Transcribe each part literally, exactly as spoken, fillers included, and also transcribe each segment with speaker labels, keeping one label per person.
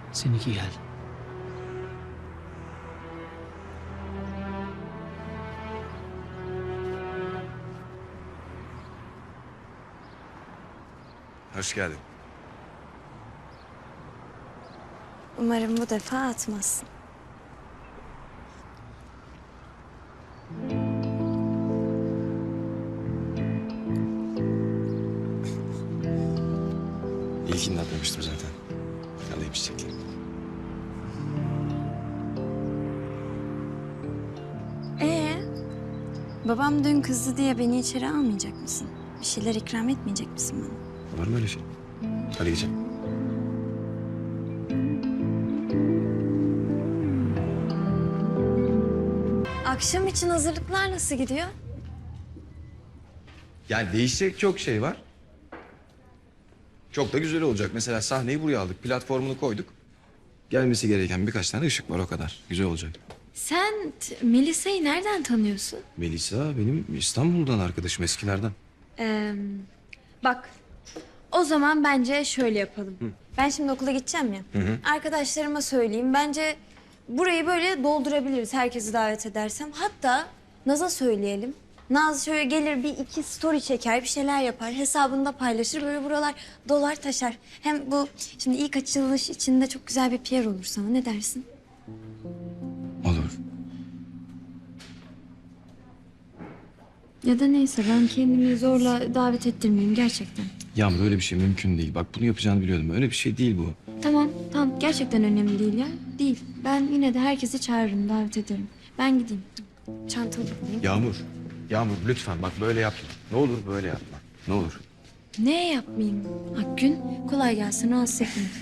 Speaker 1: Seninki geldi.
Speaker 2: Hoş geldin.
Speaker 3: Umarım bu defa atmazsın.
Speaker 2: İlkini atmamıştım zaten. Alayım çiçekleri.
Speaker 3: Ee, babam dün kızdı diye beni içeri almayacak mısın? Bir şeyler ikram etmeyecek misin bana?
Speaker 2: Var mı öyle şey? Hadi geçelim.
Speaker 3: Akşam için hazırlıklar nasıl gidiyor?
Speaker 2: Yani değişecek çok şey var. Çok da güzel olacak. Mesela sahneyi buraya aldık. Platformunu koyduk. Gelmesi gereken birkaç tane ışık var, o kadar. Güzel olacak.
Speaker 3: Sen t- Melisa'yı nereden tanıyorsun?
Speaker 2: Melisa benim İstanbul'dan arkadaşım, eskilerden.
Speaker 3: Ee, bak, o zaman bence şöyle yapalım. Ben şimdi okula gideceğim ya. Arkadaşlarıma söyleyeyim. Bence burayı böyle doldurabiliriz herkesi davet edersem. Hatta Naz'a söyleyelim. Naz şöyle gelir bir iki story çeker, bir şeyler yapar. Hesabında paylaşır. Böyle buralar dolar taşar. Hem bu şimdi ilk açılış içinde çok güzel bir P R olur sana. Ne dersin?
Speaker 2: Olur.
Speaker 3: Ya da neyse ben kendimi zorla davet ettirmeyeyim gerçekten.
Speaker 2: Yağmur, öyle bir şey mümkün değil. Bak, bunu yapacağını biliyordum. Öyle bir şey değil bu.
Speaker 3: Tamam, tamam. Gerçekten önemli değil ya. Değil. Ben yine de herkesi çağırırım, davet ederim. Ben gideyim. Çantamı alayım.
Speaker 2: Yağmur, Yağmur lütfen bak böyle yapma. Ne olur böyle yapma. Ne olur.
Speaker 3: Ne yapmayayım? Akgün, kolay gelsin. Rahatsız etmeyin.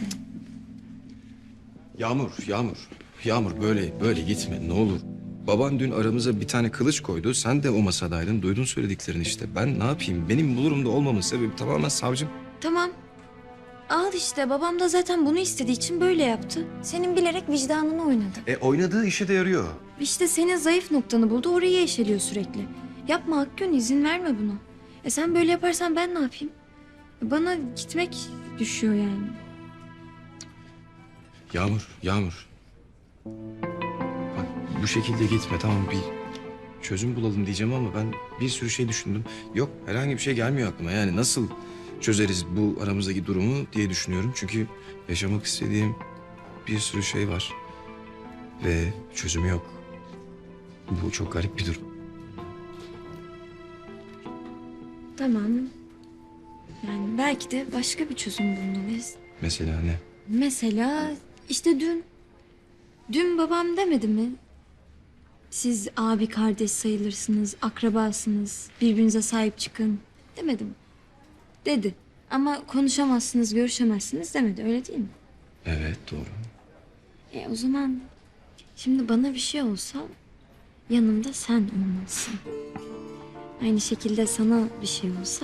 Speaker 2: Yağmur, Yağmur. Yağmur böyle böyle gitme ne olur. Baban dün aramıza bir tane kılıç koydu. Sen de o masadaydın. Duydun söylediklerini işte. Ben ne yapayım? Benim bu durumda olmamın sebebi tamamen savcım.
Speaker 3: Tamam. Al işte. Babam da zaten bunu istediği için böyle yaptı. Senin bilerek vicdanını oynadı.
Speaker 2: E oynadığı işe de yarıyor.
Speaker 3: İşte senin zayıf noktanı buldu. Orayı eşeliyor sürekli. Yapma Akgün. İzin verme buna. E sen böyle yaparsan ben ne yapayım? Bana gitmek düşüyor yani.
Speaker 2: Yağmur, Yağmur. Bak bu şekilde gitme, tamam, bir çözüm bulalım diyeceğim ama ben bir sürü şey düşündüm. Yok, herhangi bir şey gelmiyor aklıma. Yani nasıl çözeriz bu aramızdaki durumu diye düşünüyorum. Çünkü yaşamak istediğim bir sürü şey var. Ve çözümü yok. Bu çok garip bir durum.
Speaker 3: Tamam. Yani belki de başka bir çözüm bulmalıyız.
Speaker 2: Mesela ne?
Speaker 3: Mesela işte dün. Dün babam demedi mi? Siz abi kardeş sayılırsınız, akrabasınız, birbirinize sahip çıkın demedi mi? Dedi. Ama konuşamazsınız, görüşemezsiniz demedi, öyle değil mi?
Speaker 2: Evet, doğru.
Speaker 3: E o zaman şimdi bana bir şey olsa yanımda sen olmalısın. Aynı şekilde sana bir şey olsa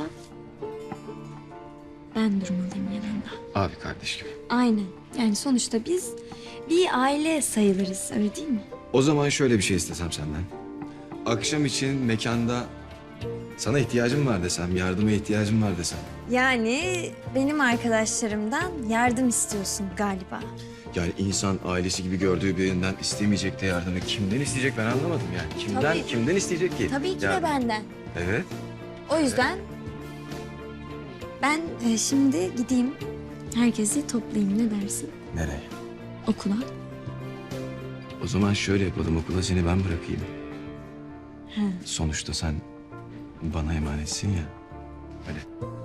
Speaker 3: ben durmalıyım yanında.
Speaker 2: Abi kardeş gibi.
Speaker 3: Aynen. Yani sonuçta biz bir aile sayılırız, öyle değil mi?
Speaker 2: O zaman şöyle bir şey istesem senden. Akşam için mekanda sana ihtiyacım var desem, yardıma ihtiyacım var desem.
Speaker 3: Yani benim arkadaşlarımdan yardım istiyorsun galiba.
Speaker 2: Yani insan ailesi gibi gördüğü birinden istemeyecek de yardımı kimden isteyecek ben anlamadım yani. Kimden,
Speaker 3: Tabii.
Speaker 2: kimden isteyecek ki?
Speaker 3: Tabii ki
Speaker 2: Yani-
Speaker 3: de benden.
Speaker 2: Evet.
Speaker 3: O yüzden ben e, şimdi gideyim, herkesi toplayayım, ne dersin?
Speaker 2: Nereye?
Speaker 3: Okula.
Speaker 2: O zaman şöyle yapalım, okula seni ben bırakayım.
Speaker 3: He.
Speaker 2: Sonuçta sen bana emanetsin ya. Öyle.